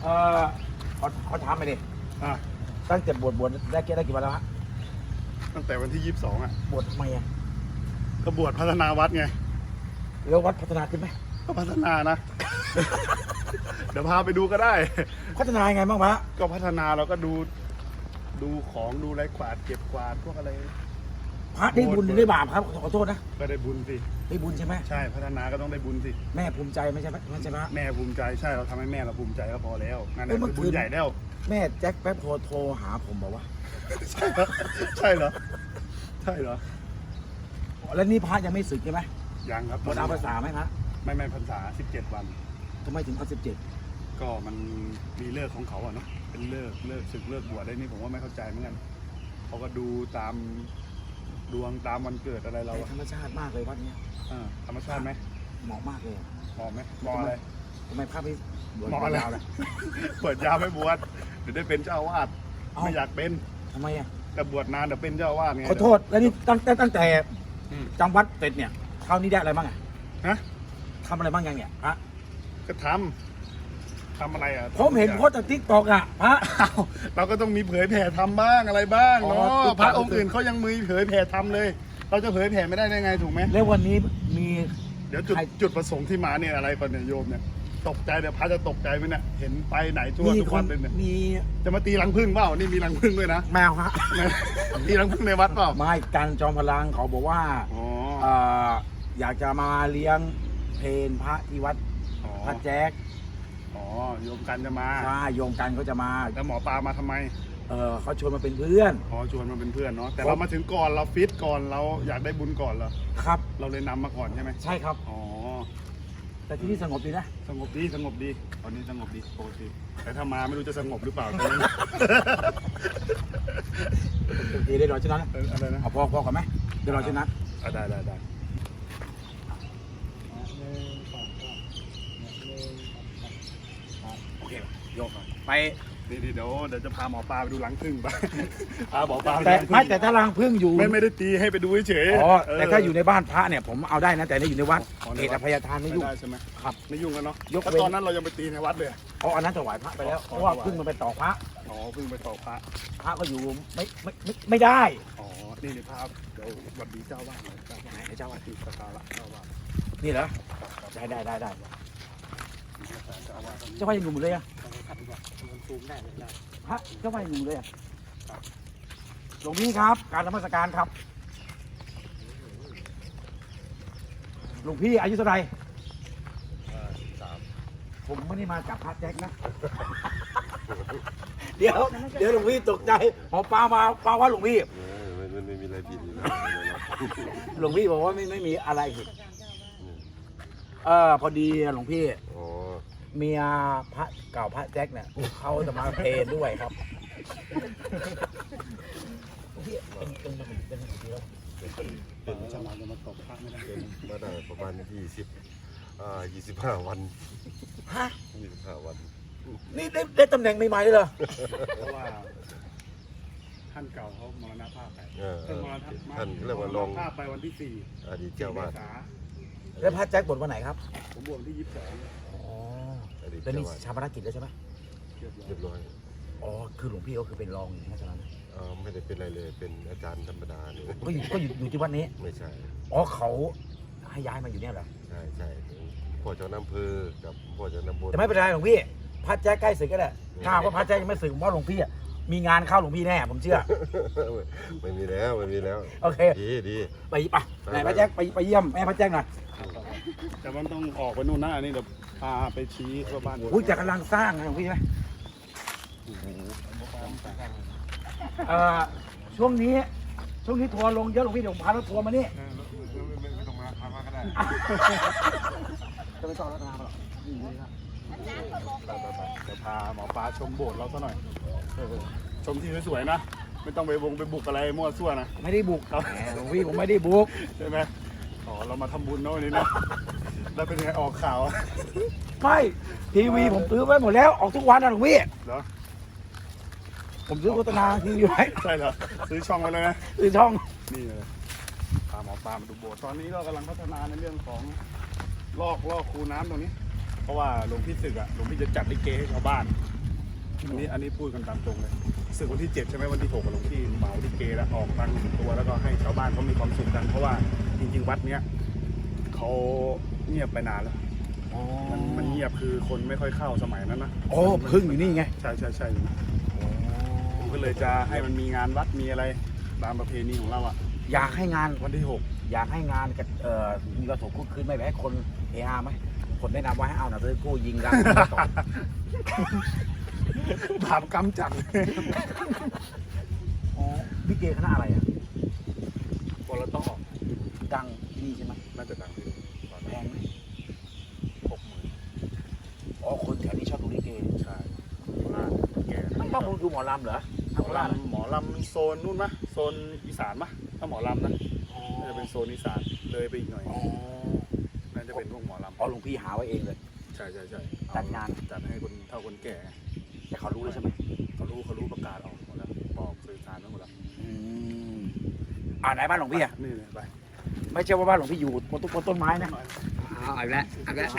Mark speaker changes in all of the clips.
Speaker 1: เออขอถามไปดิ
Speaker 2: อ่ะ
Speaker 1: ตั้งแต่บวชได้กี่วันแล้วฮะ
Speaker 2: ตั้งแต่วันที่22อ่ะ
Speaker 1: บวชทำไมอ่ะ
Speaker 2: ก็บวชพัฒนาวัดไง
Speaker 1: แล้ววัดพัฒนาขึ้นไหม
Speaker 2: ก็พัฒนานะ เดี๋ยวพาไปดูก็ได้
Speaker 1: พัฒนายังไงบ้างมะ
Speaker 2: ก็พัฒนาเราก็ดูของดูไรกวาดเก็บกวาดพวกอะไร
Speaker 1: พระได้บุญหรือได้บาปครับขอโทษนะ
Speaker 2: ก็ได้บุญสิ
Speaker 1: ได้บุญใช่ไหม
Speaker 2: ใช่พัฒนาก็ต้องได้บุญสิ
Speaker 1: แม่ภูมิใจไม่ใช่ไหมไม่ใช่ไหม
Speaker 2: แม่ภูมิใจใช่เราทำให้แม่เราภูมิใจก็พอแล้วนั่นแห
Speaker 1: เอ้
Speaker 2: ละ
Speaker 1: ยเมื่อ
Speaker 2: คือ
Speaker 1: คืน
Speaker 2: บุญใหญ่แล้ว
Speaker 1: แม่แจ็คแป๊บโทรหาผมบอกว่า
Speaker 2: ใช่เหรอใช่เหรอ
Speaker 1: แล้วนี่พระยังไม่สึกใช่ไหม
Speaker 2: ยังครับ
Speaker 1: หมดเอาภาษาไหมพระ
Speaker 2: ไม่พรรษา17 วัน
Speaker 1: ทำไมถึงเอา17
Speaker 2: ก็มันมีเลิกของเขาอะเนาะเป็นเลิกศึกเลิกบวชได้นี่ผมว่าไม่เข้าใจเหมือนกันเขาก็ดูตามดวงตามวันเกิดอะไรเราอะ
Speaker 1: ธรรมชาติมากเลยวัดเนี้ย
Speaker 2: ธรรมชาติไหม
Speaker 1: เหมาะมากเลยอะ
Speaker 2: เหมาะไหมเหมาะอะไร
Speaker 1: ทำไมพระไม่บวช
Speaker 2: เหมาะอะไร
Speaker 1: ยาวเลย
Speaker 2: เปิดยาวไม่บวชเดี๋ยวได้เป็นเจ้าอาวาส
Speaker 1: เอ้า
Speaker 2: ไม่อยากเป็น
Speaker 1: ทำไมอ่ะ
Speaker 2: แต่บวชนานเดี๋ยวเป็นเจ้าอาวาสไง
Speaker 1: ขอโทษแล้วนี่ตั้งแต่
Speaker 2: อืม
Speaker 1: จำวัดเสร็จเนี่ยคราวนี้ได้อะไรบ้างอ่ะ
Speaker 2: ฮะ
Speaker 1: ทำอะไรบ้างยังเนี่ยพระ
Speaker 2: ก็ทำอะไรอ่ะ
Speaker 1: ผมเห็นโพสต์จากทิกตอกอ่ะพระ
Speaker 2: อ้าวเราก็ต้องมีเผยแผ่ทำบ้างอะไรบ้าง
Speaker 1: อ๋อ
Speaker 2: เนาะ
Speaker 1: TikTok
Speaker 2: พระองค์อื่นเขายังมีเผยแผ่ทำเลย เราจะเผยแผ่ไม่ได้ไงถูกไหม
Speaker 1: แล้ววันนี้มี
Speaker 2: เดี๋ยว
Speaker 1: ใคร
Speaker 2: จุดประสงค์ที่มาเนี่ยอะไรก่อนเนี่ยโยมเนี่ยตกใจเดี๋ยวพระจะตกใจไหมเนี่ยเห็นไปไหนทั่ว
Speaker 1: มี
Speaker 2: ทุก
Speaker 1: ค
Speaker 2: วัน นเลยเนี่ย
Speaker 1: มี
Speaker 2: จะมาตีรังผึ้งเปล่านี่มีรังผึ้งด้วยนะ
Speaker 1: แมวฮะ
Speaker 2: ตีรังผึ้งในวัดเปล่า
Speaker 1: ไม่การจอมพลังเขาบอกว่า
Speaker 2: อ๋อ
Speaker 1: เอ่ออยากจะมาเลี้ยงเพลพระที่วัด
Speaker 2: อ๋อ
Speaker 1: พระแจ๊ก
Speaker 2: อ๋อโยมกันจะมา
Speaker 1: ใช่โยมกันเขาจะมา
Speaker 2: แล้วหมอปลามาทำไม
Speaker 1: เขาชวนมาเป็นเพื่อน
Speaker 2: อ๋อชวนมาเป็นเพื่อนเนาะแต่เรามาถึงก่อนเราฟิตก่อนเราอยากได้บุญก่อนเหรอ
Speaker 1: ครับ
Speaker 2: เราเลยนำมาก่อนใช่ไหม
Speaker 1: ใช่ครับ
Speaker 2: อ๋อ
Speaker 1: แต่ที่นี่สงบดีนะ
Speaker 2: สงบดีตอนนี้สงบดีปกติแต่ถ้ามาไม่รู้จะสงบหรือเปล่า
Speaker 1: โอเคได้รอชนะ
Speaker 2: อะไรนะ
Speaker 1: เอาพอกันไหมเดี๋ยวรอชนะ
Speaker 2: ได้
Speaker 1: โอเคโยกไป
Speaker 2: นี่เดี๋ยวจะพาหมอปลาไปดูหลังพึ่งไป พาหมอปลาไป
Speaker 1: แต่
Speaker 2: ดูหลังผึ้ง
Speaker 1: ไม่แต่ถ้ารังพึ่งอยู่
Speaker 2: ไม่ได้ตีให้ไปดูเฉย
Speaker 1: อ๋อแต่ถ้าอยู่ในบ้านพระเนี่ยผมเอาได้นะแต่นี่อยู่ในวัด
Speaker 2: อ๋อใน
Speaker 1: เขต
Speaker 2: วั
Speaker 1: อ
Speaker 2: ด
Speaker 1: ภัยทานไม่ยุ่ง
Speaker 2: ได้ใช่ไหม
Speaker 1: ครับ
Speaker 2: ไม่ยุ่งกันเนาะ
Speaker 1: ยก
Speaker 2: แล้ว
Speaker 1: เว้น
Speaker 2: ตอนนั้นเรายังไปตีในวัดเลย
Speaker 1: เพราะอันนั้นถวายพระไปแล้ว
Speaker 2: อ๋อ
Speaker 1: เพราะว่า
Speaker 2: ถวาย
Speaker 1: พึ่งมันไปต่อพระ
Speaker 2: อ๋อพึ่งไปต่อพระ
Speaker 1: พระก็อยู่ไม่ได้
Speaker 2: อ๋อนี่พาเดี๋ยวสวัสดีเจ้าว่าหน่อยเจ้าว่า
Speaker 1: ไหนเจ้าวัด
Speaker 2: ที่สการะเจ้าว่า
Speaker 1: นี่เหรอได้
Speaker 2: เจ้าว่าตอนนี้
Speaker 1: เจ้าว่ายังอยู่หมดเลยอะ
Speaker 2: ขัดดีกว่ามันซูมได้เลยได้
Speaker 1: พระเจ้าว่ายังอยู่เลยอะหลวงพี่ครับ การนมัสการครับหลวงพี่อายุเท่าไหร่
Speaker 2: 13
Speaker 1: ผมไม่ได้มากับพระแจ็คนะ เดี๋ยวหลวงพี่ตกใจหมอปลามาปลาว่าหลวงพี่
Speaker 3: มันไม่มีอะไรผิดอยู่แล้ว
Speaker 1: หลวงพี่บอกว่าไม่มีอะไรผิดพอดีหลวงพี่
Speaker 3: อ๋อ
Speaker 1: เมียพระเก่าพระแจ็คเนี่ยเขาจะมาเพลนด้วยครับเป็น
Speaker 2: จะมาตบพระไม่ได้
Speaker 3: เป็นมาได้ประมาณ25 วัน
Speaker 1: ฮะ
Speaker 3: 25 วัน
Speaker 1: นี่ได้ตำแหน่งใหม่ๆเลยเหรอ
Speaker 2: เพราะว่าท่านเก่าเขามรณภาพไป
Speaker 3: ท่านเรียกว่าลง
Speaker 2: ภาพไปวันที่ 4
Speaker 3: อดีตเจ้าวาด
Speaker 1: แล้วพระแจ็คบวชวันไหนครับ
Speaker 2: ผมบวชวันที่
Speaker 1: อ๋อ
Speaker 3: อดีต
Speaker 1: แล้ว
Speaker 3: เจ้า
Speaker 1: นี่
Speaker 3: วาด
Speaker 1: ชาปนกิจแล้วใช่ไหม
Speaker 2: 22
Speaker 3: เรียบร้อย
Speaker 1: อ๋อคือหลวงพี่ก็คือเป็นรองอยู่นะฉะนั้น
Speaker 3: ไม่ได้เป็นอะไรเลยเป็นอาจารย์ธรรมดาเนี่ย
Speaker 1: ก็อยู่ที่วัดนี้
Speaker 3: ไม่ใช่
Speaker 1: อ๋อเขาให้ย้ายมาอยู่เนี่ยเหรอ
Speaker 3: ใช่พ่อเจ้าน้ำเพอกับพ่อเจ้าน้ำบน
Speaker 1: แต่ไม่เป็นไรหลวงพี่พระแจ๊คใกล้สึกก็ได้ถ้าหากว่าพระแจ๊คยังไม่สึกผมว่าหลวงพี่อะมีงานเข้าหลวงพี่แน่ผมเชื่อ
Speaker 3: ไม่มีแล้วไม่มีแล้ว
Speaker 1: โอเค
Speaker 3: ดี
Speaker 1: ไปไหนพระแจ๊คไปเยี่ยมแม่พระแจ๊คหน่อย
Speaker 2: แต่มันต้องออกไปนู่นนะอันนี้เดี๋ยวพาไปชี้ว่าบ้าน
Speaker 1: อุ้ยแต่กำลังสร้างนะหลวงพี่ใช่ไหมช่วงนี้ทัวร์ลงเยอะหลวงพี่เดี๋ยวผมพารถทัวร์มานี่
Speaker 3: ไม่ต้องมาพามาก็ได้
Speaker 1: จะไม่ต้องรัตนาหรอก
Speaker 2: จะพาหมอปลาชมโบสถ์เราซะหน่อยชมที่สวยๆนะไม่ต้องไปบุกอะไรมั่วซั่วนะ
Speaker 1: ไม่ได้บุกแหมหลวงพี่ผมไม่ได้บุก
Speaker 2: ใช่ไหมอ๋อเรามาทำบุญเนาะวันนี้นะแล้วเป็นยังไงออกข่าว
Speaker 1: ไม่ทีวีผมซื้อไว้หมดแล้วออกทุกวันนะหลวงพี่
Speaker 2: เหรอ
Speaker 1: ผมซื้อโฆษณาทีวีไว้
Speaker 2: ใช่เหรอซื้อช่องไว้เลยนะ
Speaker 1: ซื้อช่อง
Speaker 2: นี่เลยพาหมอปลามาดูโบสถ์ตอนนี้เรากำลังพัฒนาในเรื่องของลอกคูน้ำตรงนี้ เพราะว่าหลวงพี่ศึกอ่ะหลวงพี่จะจัดลิเกให้ชาวบ้านอันนี้พูดกันตามตรงเลยศึกวันที่ 7ใช่ไหมวันที่6กับหลวงพี่เหมาที่เกแล้วออกตังค์ตัวแล้วก็ให้ชาวบ้านเขามีความสุขกันเพราะว่าจริงๆวัดเนี้ยเขาเงียบไปนานแล้วมันเงียบคือคนไม่ค่อยเข้าสมัยนั้นนะ
Speaker 1: โอ้พึ่งอยู่นี่ไง
Speaker 2: ใช่ผมก็เลยจะให้มันมีงานวัดมีอะไรตามประเพณีของเราอ่ะ
Speaker 1: อยากให้งาน
Speaker 2: วันที่
Speaker 1: อยากให้งานกับมีกระสบคุกคืนไม่แบบให้คนเฮฮาไหมคนแนะนำว่าให้เอาหนังสือกู้ยิงกันต่อ
Speaker 2: 6 ถามกำจัง
Speaker 1: อ๋อพี่เกคณะอะไรอ่ะ
Speaker 2: บอลต้องออก
Speaker 1: ดังที่นี่ใช่ไหม
Speaker 2: น่าจะดังที่ตอน
Speaker 1: แพ
Speaker 2: นี้
Speaker 1: งไหม
Speaker 2: 60,000
Speaker 1: อ๋อคนแถวนี้ชอบดูลิเก
Speaker 2: ใช่ว่าแก
Speaker 1: ไม่ต้องดูหมอลำเหรอ
Speaker 2: หมอลำโซนนู่นมะโซนอีสานมะถ้าหมอลำนะน่าจะเป็นโซนอีสานเลยไปอีกหน่อย
Speaker 1: อ๋อ
Speaker 2: น่าจะเป็นพวกหมอลำ
Speaker 1: อ๋อหลวงพี่หาไว้เองเลย
Speaker 2: ใช่
Speaker 1: จัดงาน
Speaker 2: จัดให้คนเฒ่าคนแก่ไง
Speaker 1: แต่เขารู้แล้วใช่ไหม
Speaker 2: เขารู้ประกาศออกหมดแล้วบอกสื่อสารไปหมดแล้ว
Speaker 1: ไหนบ้านหลวงพี่อ่ะ
Speaker 2: นี่เลยไป
Speaker 1: ไม่ใช่ว่าบ้านหลวงพี่อยู่บนต้นไม้นะ
Speaker 4: เอาอีกแล้วเอาอีกแล้ว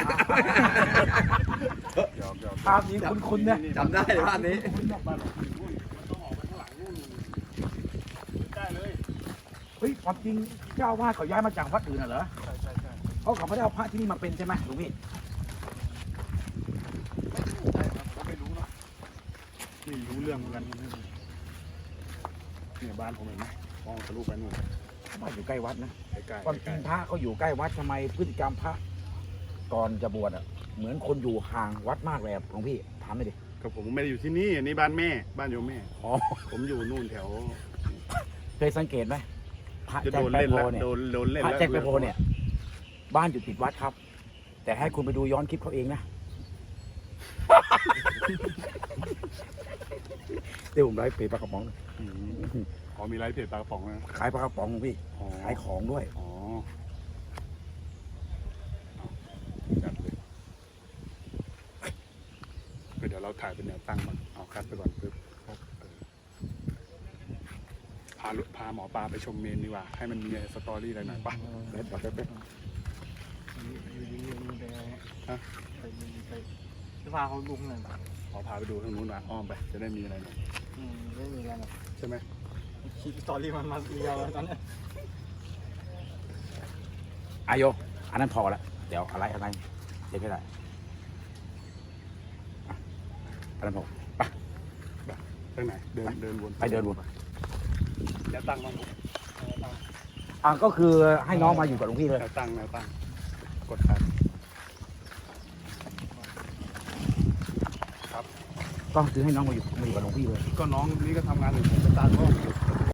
Speaker 2: หยอก
Speaker 1: ภาพนี้คุ้นๆเนี่ย
Speaker 4: จำได้เลยภาพนี้
Speaker 2: บ้านหลวงพี่นู่นมันต้องออกไปข้างหลังนู่นได้เลย
Speaker 1: เฮ้ยความจริงเจ้าอาวาสเขาย้ายมาจากวัดอื่นน่ะเหรอ
Speaker 2: ใช่
Speaker 1: เขาไม่ได้เอาพระที่นี่มาเป็นใช่ไหมหลวงพี่
Speaker 2: ใช่ครับผมไม่รู้เนาะนี่รู้เรื่องเหมือนกันเนี่ยบ้านผมเห็นไหมมองทะลุไปนู่น
Speaker 1: บ้านอยู่ใกล้วัดนะ
Speaker 2: ใกล้
Speaker 1: ความจริงพระเขาอยู่ใกล้วัดทำไมพฤติกรรมพระก่อนจะบวชอ่ะเหมือนคนอยู่ห่างวัดมากเลยอะหลวงพี่ถามหน่อยดิ
Speaker 2: กับผมไม่ได้อยู่ที่นี่อันนี้บ้านแม่บ้านโยมแม่
Speaker 1: อ๋อ
Speaker 2: ผมอยู่นู่นแถว
Speaker 1: เคยสังเกตไหมพระ
Speaker 2: จะ
Speaker 1: แจ็
Speaker 2: โด
Speaker 1: คน แป
Speaker 2: เล่น
Speaker 1: โพ
Speaker 2: แล้ว
Speaker 1: เนี่ย
Speaker 2: โดนเล่น
Speaker 1: พระ
Speaker 2: แล้ว
Speaker 1: แจ็คแปโพเนี่ย บ้านอยู่ติดวัดครับ แต่ให้คุณไปดูย้อนคลิปเขาเองนะ เดี๋ยวผมไลฟ์เพจปลากระป๋อง
Speaker 2: อืมอ๋อมีไลฟ์เพจปลากระป๋องนะ
Speaker 1: ขายปลากระป๋องพี่
Speaker 2: อ๋อ
Speaker 1: ขายของด้วย
Speaker 2: อ๋อจัดเลยเดี๋ยวเราถ่ายเป็นแนวตั้งก่อนเอาคัดไปก่อนปึ๊บพาหมอปลาไปชมเมนดีกว่า ให้มันมีสตอรี่อะไรหน่อยป่ะ
Speaker 1: เดี๋ยวแป๊บ
Speaker 5: จะพาเขาลุกหน่อย
Speaker 2: ขอพาไปดูทางนู้นหน่อยอ้อมไปจะได้มีอะไรหน่อย
Speaker 5: ไม่มีอะไรหรอก
Speaker 2: ใช่ไหม
Speaker 5: คิดสตอรี่มันมาเดียวแล้วตอนนี้
Speaker 1: อายโยอันนั้นพอละเดี๋ยวอะไรเดี๋ยวไม่ได้อ่ะอันนั้นพอ
Speaker 2: ทางไหนเดินวน
Speaker 1: ไปเดินวน
Speaker 2: แนวตั้งบ้าง
Speaker 1: ก็คือให้น้องมาอยู่กับหลวงพี่เลย
Speaker 2: แนวตั้งกดคัน
Speaker 1: ก็คือให้น้องมาอยู่กับหลวงพี่เลย
Speaker 2: ก็น้องนี่ก็ทำงานอยู่ผมจะตามก็